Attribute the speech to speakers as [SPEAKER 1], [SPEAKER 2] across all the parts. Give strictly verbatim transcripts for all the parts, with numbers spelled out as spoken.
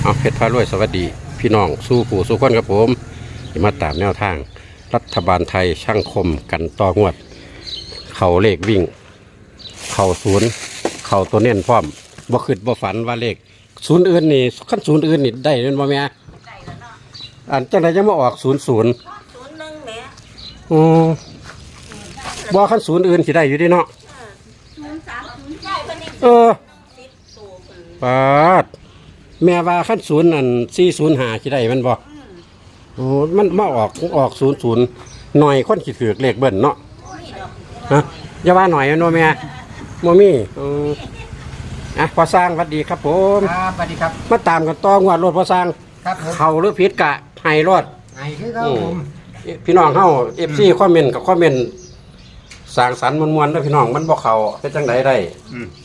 [SPEAKER 1] เอาเพชรพารวยสวัสดีพี่น้องสู้ผู้สู้คนครับผมมาตามแนวทางรัฐบาลไทยช่างคมกันต่องวด เข่าเลขวิ่ง เข่าศูนย์เข่าตัวเน้นพร้อมบ่ขึ้นบ่ฝันว่าเลขศูนย์อื่นนี่ขั้นศูนย์อื่นนี่ได้เงินบ่แม่อันจังไดยังมาออกศูนย์ศูนย์
[SPEAKER 2] ศูนย์หนึ่งแหม่
[SPEAKER 1] อือบ่ขั้นศูนย์อื่นสิได้อยู่ดิเนาะ
[SPEAKER 2] ศูนย์สามศูนย์ใช่เพิ่นนี่
[SPEAKER 1] เออ
[SPEAKER 2] สิบตัวเพิ่น
[SPEAKER 1] ปาดแม่ว่าขั้นศูนย์อันสี่ศูนย์ห้าสิได้มันบ่โอ้มันมาออกออกศูนย์ศูนย์หน่อยคนสิถือเลขเบิ้ลเนาะฮะอย่าว่าหน่อยนะแม่บ่มีเอออ่ะพอสร้างสวัสดีครับผม
[SPEAKER 3] ครับสวัสดีครับ
[SPEAKER 1] มาตามกันต่องวดรถพอสร้าง
[SPEAKER 3] ครับผม
[SPEAKER 1] เข้าหรือผิดกะให้รถ
[SPEAKER 3] ไงคือครับผม
[SPEAKER 1] พี่น้องเฮา เอฟ ซี คอมเมนต์กับคอมเมนต์สร้างสรรค์มวลๆเด้อพี่น้องมันบ่เข้าเฮ็ดจังไดได้
[SPEAKER 3] อืม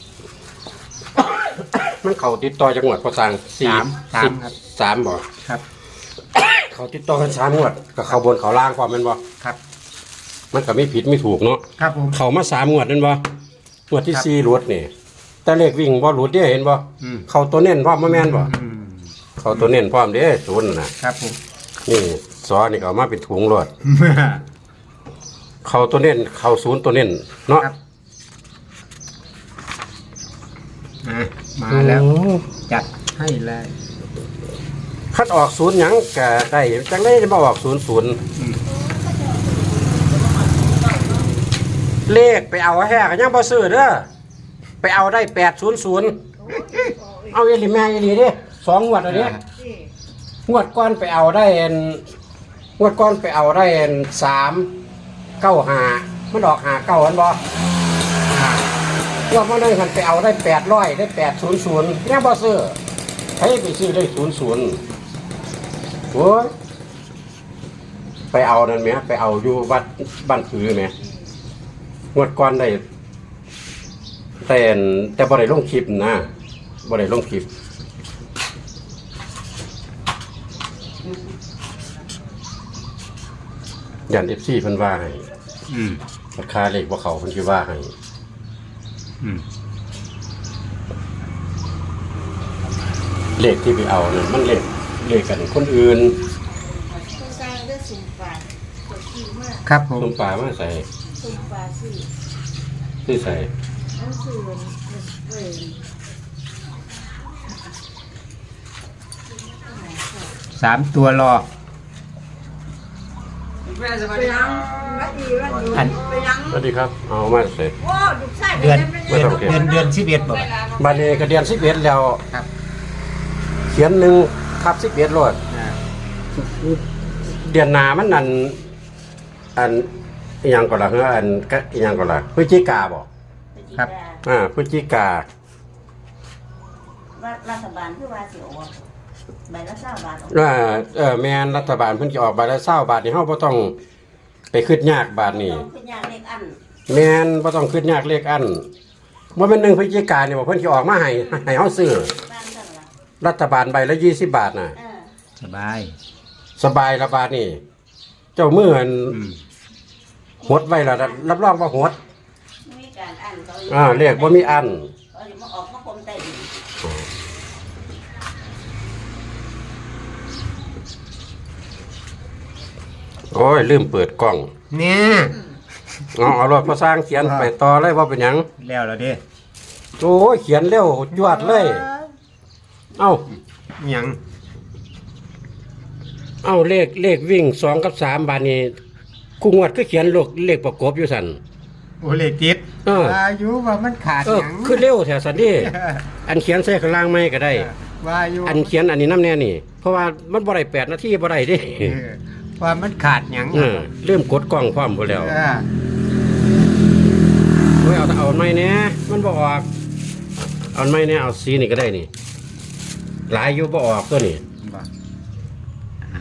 [SPEAKER 1] มันเข้าติดต่อจังหวัดพอสร้างสี่
[SPEAKER 3] สามสามครับ
[SPEAKER 1] สามบ่
[SPEAKER 3] ครับ
[SPEAKER 1] เขาติดต่อกันสามงวดก็เข้าบนเข้าล่างความแม่นบ่
[SPEAKER 3] ครับ
[SPEAKER 1] มันก็มีผิดมีถูกเนาะ
[SPEAKER 3] ครับผม
[SPEAKER 1] เข้ามาสามงวดนั่นบ่งวดที่
[SPEAKER 3] ครับ
[SPEAKER 1] สี่หลุดนี่แต่เลขวิ่งบ่หลุดเด้เห็นบ่
[SPEAKER 3] อืม
[SPEAKER 1] เข้าตัวเน้นพร้อมบ่แม่นบ่
[SPEAKER 3] อืม
[SPEAKER 1] เข้าตัวเน้นพร้อมเด้ศูนย์น่ะ
[SPEAKER 3] ครับผม
[SPEAKER 1] นี่ซอนี่ก็เอามาเป็นถุงรถเข้าตัวเน้นเข้าศูนย์ตัวเน้นเนาะ
[SPEAKER 3] ครับอ่ะมาแล้วจัดให้เลย
[SPEAKER 1] คัดออกศูนย์หยังก็ได้จังได้จะมาออกศูนย์ศูนย์
[SPEAKER 3] อืม
[SPEAKER 1] เลขไปเอาแห่ก็ยังบ่ซื้อเด้อไปเอาได้แปดศูนย์ศูนย์เอาอีหลีแม่อีหลีเด้สองงวดอันนี้งวดก้อนไปเอาได้อันงวดก้อนไปเอาได้อันสามเก้าห้ามันออกหาเก้าอันบ่งวดมาได้คันไปเอาได้แปดร้อยได้แปดศูนย์ศูนย์ยังบ่ซื้อใครไปซื้อได้ศูนย์ศูนย์โอ้ยไปเอานั่นไหมไปเอาอยู่วัดบ้านผือไหมงวดก่อนได้แต่แต่บ่ได้ลงคลิปนะบ่ได้ลงคลิปยันเอฟซีเพิ่นว่าให้
[SPEAKER 3] อืม
[SPEAKER 1] ราคาเลขบ่เขาเพิ่นสิว่าให้
[SPEAKER 3] อืม
[SPEAKER 1] เลขที่ไปเอานั่นมันเลขเลขกันคนอื่น
[SPEAKER 2] ผู้สร้างได้สุ่มปลาตัวขี้มาก
[SPEAKER 3] ครับผม
[SPEAKER 1] ต้มปลามาใส่
[SPEAKER 2] สุ่มปลาสิ
[SPEAKER 1] ที่ใส่
[SPEAKER 2] นั่นคือเว้ย
[SPEAKER 3] สามตัวรอ
[SPEAKER 2] ไปยังวัดดีวัดดี
[SPEAKER 3] อัน
[SPEAKER 2] ไปยัง
[SPEAKER 1] สวัสดีครับเอามาใส่
[SPEAKER 2] โอ้ลูกชาย
[SPEAKER 3] เดือน
[SPEAKER 2] ไป
[SPEAKER 3] เดือน
[SPEAKER 1] ไม่ต้องเก็บ
[SPEAKER 3] เดือนเดือนสิบเอ็ดบอก
[SPEAKER 1] บัดนี้ก็เดือนสิบเอ็ดแล้ว
[SPEAKER 3] ครับ
[SPEAKER 1] เขียนหนึ่งทับสิบเอ็ดโลด
[SPEAKER 3] อ่า
[SPEAKER 1] เดือนหนามันนั่นอันอหยังก็ล่ะเฮ้ออันก็อหยังก็ล่ะพฤศจิกาบ่
[SPEAKER 3] ครับ
[SPEAKER 1] อ่าพฤศจิกา
[SPEAKER 2] ว่ารัฐบาลคือว่าสิออกใบละเก้าบาทออก
[SPEAKER 1] อ่าเออแม่นรัฐบาลเพิ่นสิออกบาทละเก้าบาทนี่เฮาบ่ต้องไปคิดยากบาทนี่
[SPEAKER 2] ต้องขึ้นยากเลขอัน
[SPEAKER 1] แม่นบ่ต้องคิดยากเลขอันบ่แม่นหนึ่งพฤศจิกานี่บ่เพิ่นสิออกมาให้ให้เฮาซื้อ
[SPEAKER 2] บ้านกันล่ะ
[SPEAKER 1] รัฐบาลใบละยี่สิบบาทน่ะ
[SPEAKER 2] เออ
[SPEAKER 3] สบาย
[SPEAKER 1] สบายละบาทนี่เจ้ามืออัน
[SPEAKER 3] อืม
[SPEAKER 1] หดไว้ละรับรองว่าหด
[SPEAKER 2] ไม่มีการอันเขา
[SPEAKER 1] อ่าเลขบ่มีอัน
[SPEAKER 2] เขาจะมาออกมาคมใต้ดิน
[SPEAKER 1] โอ้ยลืมเปิดกล้อง
[SPEAKER 3] เนี่ย
[SPEAKER 1] เอาเอารถพอสร้างเขียนไปต่อเลยว่าเป็นหยัง
[SPEAKER 3] แล้วแล้วเด้
[SPEAKER 1] โอ้ยเขียนเร็วยวดเลย เอ้า
[SPEAKER 3] หยัง
[SPEAKER 1] เอ้าเลขเลขวิ่งสองกับสามบาทนี้คู่งวดก็เขียนเลขเลขประกบอยู่สัน
[SPEAKER 3] โอเลขติด
[SPEAKER 1] เออ
[SPEAKER 3] ว่าอยู่ว่ามันขาด
[SPEAKER 1] เอ
[SPEAKER 3] ห
[SPEAKER 1] อ
[SPEAKER 3] ยัง
[SPEAKER 1] คือเร็วแถวสันนี่อันเขียนใส่ข้างล่างไม่ก็ได้
[SPEAKER 3] ว่าอยู่
[SPEAKER 1] อันเขียนอันนี้น้ำแน่นี่ เพราะว่ามันบ่ได้แปดนาทีบ่ได้เดิ
[SPEAKER 3] เออว่ามันขาดหยัง
[SPEAKER 1] เออเริ่มกดกล้องพร้อมหมดแล้ว
[SPEAKER 3] เออ
[SPEAKER 1] โอ้ยเอาเอาไม่แน่มันบ่ออกเอาไม่แน่เอาสีนี่ก็ได้นี่ หลายอยู่บ่ออกตัวนี่
[SPEAKER 3] บ่เอา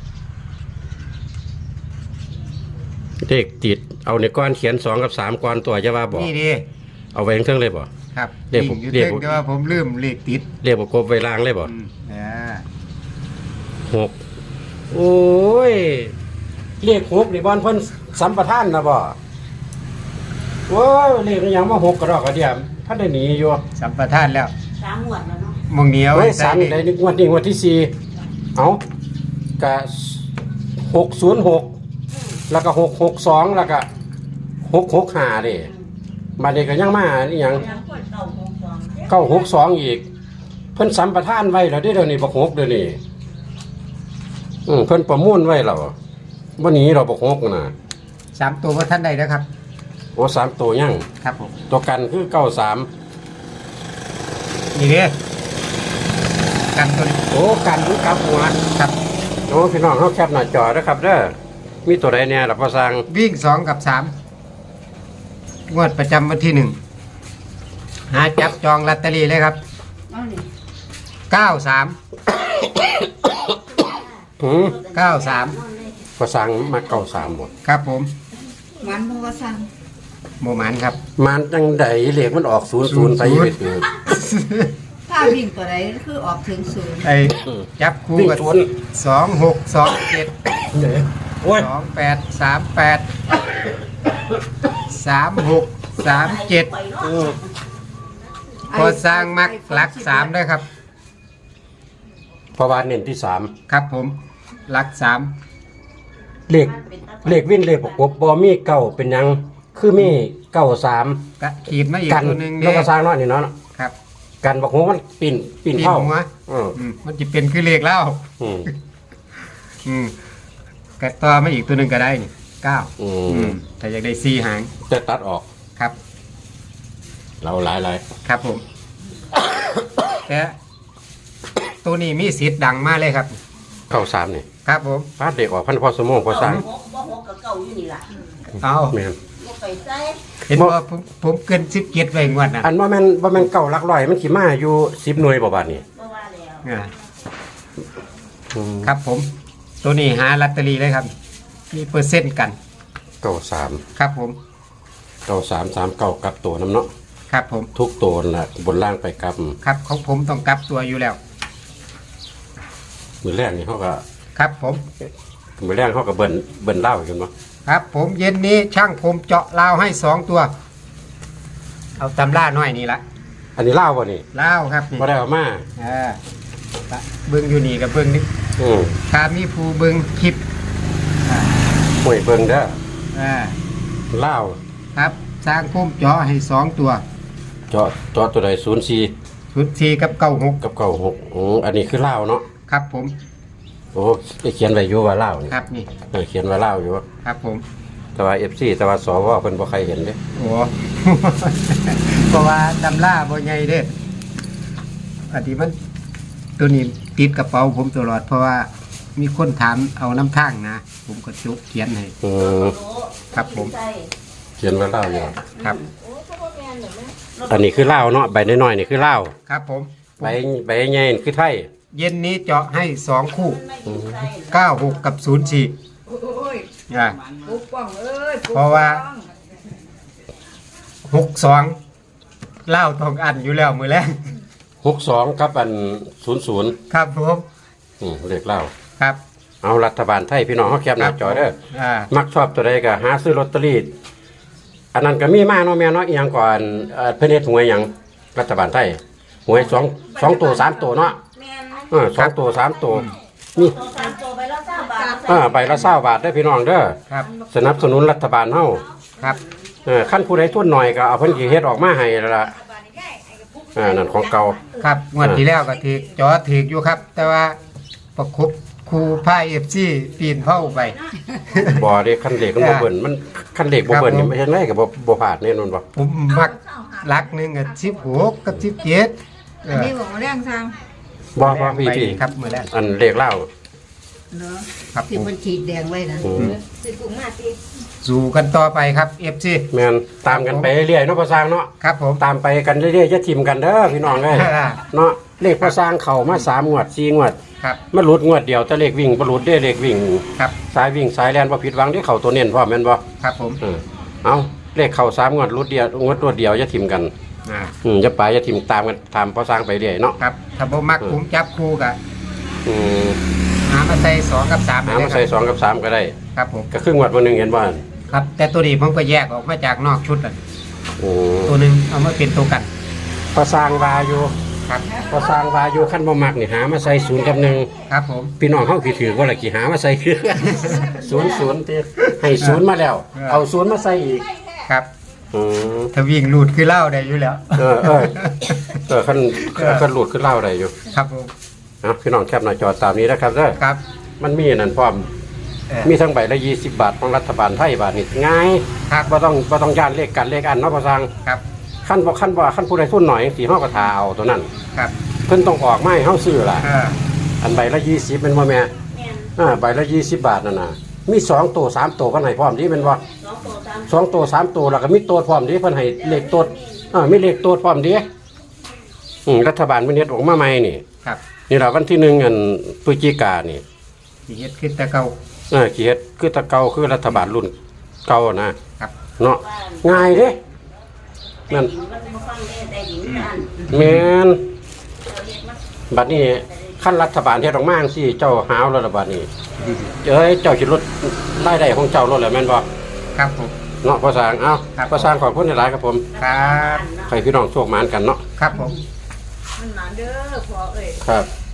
[SPEAKER 1] เลขติดเอาในก้อนเขียนสองกับสามก้อนตัวจะว่าบอก
[SPEAKER 3] นี่ดิ
[SPEAKER 1] เอาไว้ทั้งเลยบ่
[SPEAKER 3] ครับ
[SPEAKER 1] เรียกผม
[SPEAKER 3] อยู่
[SPEAKER 1] เรียก
[SPEAKER 3] เรื่องแต่ว่าผมลืมเลขติด
[SPEAKER 1] เรียกว่ากบไว้ล่างเลยบ่
[SPEAKER 3] อืมเออ
[SPEAKER 1] หกโอ้ยเรียกหกนี่บอลเพิ่นสัมปทานนะบ่โอ้ยเรียกอหยังมาหกกระดอกกระเดียมท่านได้หนีอยู่
[SPEAKER 3] สัมปทานแล้ว
[SPEAKER 2] สามหมวดแล้วเนาะ
[SPEAKER 3] มองเหนียว
[SPEAKER 1] เฮ้ย
[SPEAKER 3] ใส่
[SPEAKER 1] สามได้นี่งวดนี้งวดที่สี่เอากะหกศูนย์หกแล้วก็หกหกสองแล้วก็หกหกห้าเด้มาเด็กก็ยังมาอีหยังเก้าหกสองอีกเพิ่นสัมปทานไว้แล้วเด้อเดี๋ยวนี้บักหกเดี๋ยวนี้อืมเพิ่นประมูลไว้แล้วบ่หนีเราบักหกน่ะ
[SPEAKER 3] สามตัวว่าท่านใดนะครับ
[SPEAKER 1] โอ้สามตัวยัง
[SPEAKER 3] ครับผม
[SPEAKER 1] ตัวกันคือเก้าสาม
[SPEAKER 3] นี่เด้กันตัวนี้
[SPEAKER 1] โอ้กันคือกลับหัว
[SPEAKER 3] ครับ
[SPEAKER 1] โอ้พี่น้องเฮาแคปหน้าจอเด้อครับเด้อมีตัวใดแน่ล่ะพ่อสร้าง
[SPEAKER 3] วิ่งสองกับสามงวดประจำวันที่หนึ่งหาจับจองลอตเตอรี่เลยครับ
[SPEAKER 2] เอานี่
[SPEAKER 3] เก้าสาม
[SPEAKER 1] หืม
[SPEAKER 3] เก้าสาม
[SPEAKER 1] พ่อสร้างมาเก้าสามบ่
[SPEAKER 3] ครับผม
[SPEAKER 2] มันบ่ว่าสั่ง
[SPEAKER 3] โมหมันครับ
[SPEAKER 1] มันจังไดเลขมันออกศูนย์ศูนย์ไปอยู่ไปถือ
[SPEAKER 2] ถ้าวิ่งตัวใดคือออกถึงศูนย์
[SPEAKER 3] ไอ้จับคู่
[SPEAKER 1] วิ่ง
[SPEAKER 3] กับ
[SPEAKER 1] ชน
[SPEAKER 3] สองหกสองเจ็ด
[SPEAKER 1] เด้อโอ้ย
[SPEAKER 3] สองแปดสามแปดสามหกสามเจ็ด
[SPEAKER 1] เออ
[SPEAKER 3] พอสร้างมักหลักสามด้วยครับ
[SPEAKER 1] เพราะว่าเน้นที่สาม
[SPEAKER 3] ครับผมหลักสาม
[SPEAKER 1] เลขเลขวิ่งเลขประกบบ่มีเก้าเป็นหยังคือมีเก้าสาม
[SPEAKER 3] กะขีดมาอีก
[SPEAKER 1] กัน
[SPEAKER 3] ตัวหนึ่ง
[SPEAKER 1] แล้ว
[SPEAKER 3] เนี่ย
[SPEAKER 1] ก็สร้างน้อยนี่เนาะ
[SPEAKER 3] ครับ
[SPEAKER 1] กันบอกว่ามันปีนปีน
[SPEAKER 3] ปีน
[SPEAKER 1] เข้า
[SPEAKER 3] หัว
[SPEAKER 1] อืม
[SPEAKER 3] อืมมันจะเป็นคือเลขแล้ว
[SPEAKER 1] อืม
[SPEAKER 3] อืมกะต่อมาอีกตัวหนึ่งก็ได้นี่เก้า
[SPEAKER 1] อื
[SPEAKER 3] อื
[SPEAKER 1] ม
[SPEAKER 3] มถ้าอยากได้สี่หาง
[SPEAKER 1] จะตัดออก
[SPEAKER 3] ครับ
[SPEAKER 1] เราหลายหลาย
[SPEAKER 3] ครับผม แต่ตัวนี้มีสิทธิ์ดังมากเลยครับ
[SPEAKER 1] เข้าสามนี่
[SPEAKER 3] ครับผม
[SPEAKER 1] ฟาดเด็กออกพันพอสมองพอสร้าง
[SPEAKER 2] บ่หกกับเก่าอยู่นี่ล่ะ
[SPEAKER 3] เอา
[SPEAKER 1] แม่น
[SPEAKER 2] บ่ไปใส่
[SPEAKER 3] เห็นว่าผมผมเกินสิบเกียรไว้งวดนะ
[SPEAKER 1] อันว่าแม่นว่าแม่นเก้าหลักร้อยมันขี่มาอยู่สิบหน่วยบ่บาทนี่
[SPEAKER 2] บ่ว่าแล้ว
[SPEAKER 3] อ่า
[SPEAKER 1] อืม
[SPEAKER 3] ครับผม ตัวนี้หาลอตเตอรี่เลยครับ มีเปอร์เซ็นต์กัน
[SPEAKER 1] เก้าสาม
[SPEAKER 3] ครับผม
[SPEAKER 1] เก้าสามสามเก้ากับตัวน้ำเนาะ
[SPEAKER 3] ครับผม
[SPEAKER 1] ทุกตัวน่ะบนล่างไปกับ
[SPEAKER 3] ครับของผมต้องกลับตัวอยู่แล้ว
[SPEAKER 1] มือแรกนี่เขาก็
[SPEAKER 3] ครับผม
[SPEAKER 1] มือแรกเขาก็เบิ่นเบิ่นเหล้ากันบ่
[SPEAKER 3] ครับผมเย็นนี้ช่างผมเจาะลาวให้สองตัว เอาตำล่าน้อยนี่ละ
[SPEAKER 1] อันนี้เหล้าบ่นี่
[SPEAKER 3] ลาวครับนี่
[SPEAKER 1] บ่ได้เอามา
[SPEAKER 3] อ่าเบิ้งอยู่นี่กับเบิ้งนี่
[SPEAKER 1] อืม
[SPEAKER 3] ถ้ามีผู้เบิ้งคลิปอ่า
[SPEAKER 1] ห่วยเบิ่งเด้อ
[SPEAKER 3] อ่า
[SPEAKER 1] เหล้า
[SPEAKER 3] ครับสร้างผมเจาะให้สองตัว
[SPEAKER 1] เจาะเจาะตัวใดศูนย์สี่
[SPEAKER 3] ชุดสี่กับเก้าหก
[SPEAKER 1] กับเก้าหกอืออันนี้คือเหล้าเนาะ
[SPEAKER 3] ครับผม
[SPEAKER 1] โอ้ได้เขียนไว้อยู่ว่าเหล้านี่
[SPEAKER 3] ครับนี่
[SPEAKER 1] เออเขียนว่าเหล้าอยู่
[SPEAKER 3] ครับผม
[SPEAKER 1] แต่ว่า เอฟ ซี แต่ว่าสวเพิ่นบ่ใครเห็นเด้
[SPEAKER 3] โอ้ เพราะว่าตำล่าบ่ใหญ่เด้อันนี้มันตัวนี้ติดกระเป๋าผมตลอด เพราะว่ามีคนถามเอาน้ำทางนะ ผมก็จุกเขียนให้
[SPEAKER 1] อืม
[SPEAKER 3] ครับผม
[SPEAKER 2] ใส่
[SPEAKER 1] เขียนว่าเหล้าอยู่
[SPEAKER 3] ครับ
[SPEAKER 2] โอ้ก็บ่แม่นเด้อแม่
[SPEAKER 1] อันนี้คือเหล้าเนาะใบน้อยๆนี่คือเหล้า
[SPEAKER 3] ครับผม
[SPEAKER 1] ใบใบใหญ่ๆนี่คือไทย
[SPEAKER 3] เย็นนี้เจาะให้สองคู่
[SPEAKER 2] ไม่กินใส่
[SPEAKER 3] เก้าหกกับศูนย์สี่
[SPEAKER 2] โอ้ย
[SPEAKER 3] อ่า
[SPEAKER 2] ปุ๊บป้องเอ้ย
[SPEAKER 3] เพราะว่า หกสองเล่าทองอันอยู่แล้วมือแรก
[SPEAKER 1] หกสองกับอันศูนย์ศูนย์
[SPEAKER 3] ครับผม
[SPEAKER 1] อืมเลขเหล้า
[SPEAKER 3] ครับ
[SPEAKER 1] เอารัฐบาลไทยพี่น้องเฮาแคปหน้าจอเด้อ
[SPEAKER 3] อ่า
[SPEAKER 1] มักชอบตัวใดก็หาซื้อลอตเตอรี่อันนั้นก็มีมาเนาะแม่เนาะอีหยังก่อนเอ่อเพิ่นเฮ็ดหวยหยังรัฐบาลไทยหวยสองสองตัวสามตัวเนาะ
[SPEAKER 2] แม่น
[SPEAKER 1] เออสองตัวสามตัวนี่
[SPEAKER 2] ตัวสามตัวไปแล้วเก้าบาท
[SPEAKER 1] เออใบละเศร้าบาทได้อพี่น้องเด้อ
[SPEAKER 3] ครับ
[SPEAKER 1] สนับสนุนรัฐบาลเฮา
[SPEAKER 3] ครับ
[SPEAKER 1] เออขั้นผู้ใดทุนหน่อยก็เอาเพิ่นสิเฮ็ดออกมาให้แล้วล่ะเอ่านั่นของเก่า
[SPEAKER 3] ครับงวดที่แล้วก็ถือจอถืออยู่ครับ แต่ว่าประคบครูพายเอฟซีปีนเข้าไป
[SPEAKER 1] บ่ได้คันเหล็กมันบ่เบิ่นมันคันเหล็กบ่เบิ่นนี่ไม่เห็นไรก็บ่บ่พลาดแน่นอนบ่
[SPEAKER 3] ผมมักลักหนึ่งกับสิบหกกับสิบเจ็ด
[SPEAKER 2] อันนี้บอกว่าแรงทาง
[SPEAKER 1] บ่บ่พี่พี่
[SPEAKER 3] ครับมือแรก
[SPEAKER 1] อันเลขเหล้า
[SPEAKER 2] เนาะ
[SPEAKER 3] ครับ
[SPEAKER 2] ที่
[SPEAKER 3] ผม
[SPEAKER 2] มันขีดแดงไว้นะ
[SPEAKER 1] อืม
[SPEAKER 2] สิกุ้งมาสิ
[SPEAKER 3] สู่กันต่อไปครับเอฟซี
[SPEAKER 1] แม่นตามกันไปเรื่อยๆเนาะพ่อสร้างเนาะ
[SPEAKER 3] ครับผม
[SPEAKER 1] ตามไปกันเรื่อยๆอย่าทิ่มกันเด้อพี่น้องเอ้ยเนาะเลขพ่อสร้างเข้ามาสามงวดสี่งวด
[SPEAKER 3] ครับ
[SPEAKER 1] มันหลุดงวดเดียวแต่เลขวิ่งบ่หลุดเด้เลขวิ่ง
[SPEAKER 3] ครับ
[SPEAKER 1] สายวิ่งสายแล่นบ่ผิดหวังที่เข้าตัวเน้นพร้อมแม่นบ่
[SPEAKER 3] ครับผม
[SPEAKER 1] เออเอาเลขเข้าสามงวดหลุดเดียวงวดรวดเดียวอย่าทิ่มกัน
[SPEAKER 3] อ่า
[SPEAKER 1] อืมอย่าไปอย่าทิ่มตามกันตามพ่อสร้างไปเรื่อยเนาะ
[SPEAKER 3] ครับถ้าบ่มักผมจับคู่กับ
[SPEAKER 1] อืม
[SPEAKER 3] หามาใส่สองกับสาม
[SPEAKER 1] หามาใส่สองกับสามก็ได้
[SPEAKER 3] ครับผม
[SPEAKER 1] ก็ครึ่งงวดวันหนึงเห็นบ่
[SPEAKER 3] ครับ แต่ตัวนี้ผมก็แยกออกมาจากนอกชุดอ่ะ
[SPEAKER 1] โอ้
[SPEAKER 3] ตัวหนึ่งเอามาเป็นตัวกัน
[SPEAKER 1] พ่อสร้างว่าอยู่
[SPEAKER 3] ครับ
[SPEAKER 1] พอสร้างวาอยู่ขั้นบ่มักนี่หามาใส่ศูนย์กับหนึ่ง
[SPEAKER 3] ครับผม
[SPEAKER 1] พี่น้องเฮากี่ถือว่าละกี่หามาใส่คือ ศูนย์ศูนย์ติให้ศูนย์มาแล้ว เอาศูนย์มาใส่อีก
[SPEAKER 3] ครับ
[SPEAKER 1] อืม
[SPEAKER 3] ถ้าวิ่งหลุดคือเล่าได้อยู่แล้ว
[SPEAKER 1] เออเออเออขั้นขั้นหลุดขึ้นเล่าได้อยู่
[SPEAKER 3] ครับผม
[SPEAKER 1] เอาพี่น้องแคปหน้าจอตามนี้นะครับเด้อ
[SPEAKER 3] ครับ
[SPEAKER 1] มันมีอันนั่นพร้อม
[SPEAKER 3] เออ
[SPEAKER 1] มีทั้งใบละยี่สิบบาทของรัฐบาลไทยบาทนี่ง่าย
[SPEAKER 3] ครับ
[SPEAKER 1] บ่ต้องบ่ต้องย่านเลขกันเลขอันเนาะพ่อสร้าง
[SPEAKER 3] ครับ
[SPEAKER 1] ขั้นบ่ขั้นบ่ขั้นผู้ใดทุนหน่อยสิเฮาก็ทาเอาตัวนั้น
[SPEAKER 3] ครับ
[SPEAKER 1] เพิ่นต้องออกมาให้เฮาซื้อล่ะ
[SPEAKER 3] เออ
[SPEAKER 1] อันใบละยี่สิบเป็นบ่แม่
[SPEAKER 2] แม่น
[SPEAKER 1] อ่าใบละยี่สิบบาทนั่นน่ะมีสองตัวสามตัวเพิ่นให้พร้อมดีแม่นบ่
[SPEAKER 2] สองตัวสาม
[SPEAKER 1] สองตัวสามตัวแล้วก็มีตัวพร้อมดีเพิ่นให้เลขตัวอ่ามีเลขตัวพร้อมดีอืมรัฐบาลเพิ่นเฮ็ดออกมาใหม่นี่
[SPEAKER 3] ครับ
[SPEAKER 1] นี่ล่ะวันที่หนึ่งอันพฤศจิกายนนี่
[SPEAKER 3] สิเฮ็ดขึ้นแต่เก่า
[SPEAKER 1] เออขี้เฮ็ดคือแตะเก่าคือรัฐบาลรุ่นเก่านะครับ เนาะ
[SPEAKER 2] บ้าน
[SPEAKER 1] ง่ายเด้นั่น
[SPEAKER 2] มันบ่ฟังได้ได้ดินกัน
[SPEAKER 1] แม่น
[SPEAKER 2] เราเรียกว่า
[SPEAKER 1] บัดนี้ขั้นรัฐบาลเฮ็ดออกมาจังซี่เจ้าหาวแล้วล่ะบัดนี้เอ้ยเจ้าสิลดรายได้ของเจ้าลดแล้วแม่นบ่
[SPEAKER 3] ครับผม
[SPEAKER 1] เนาะพ่อสร้างเอ้า
[SPEAKER 3] ครับ
[SPEAKER 1] พ่อสร้างขอบคุณหลายๆครับผม
[SPEAKER 3] ครับ
[SPEAKER 1] ให้พี่น้องโชคหมานกันเนาะ
[SPEAKER 3] ครับผม
[SPEAKER 2] มันหนาเด้อพอเอ้ย
[SPEAKER 1] ครับ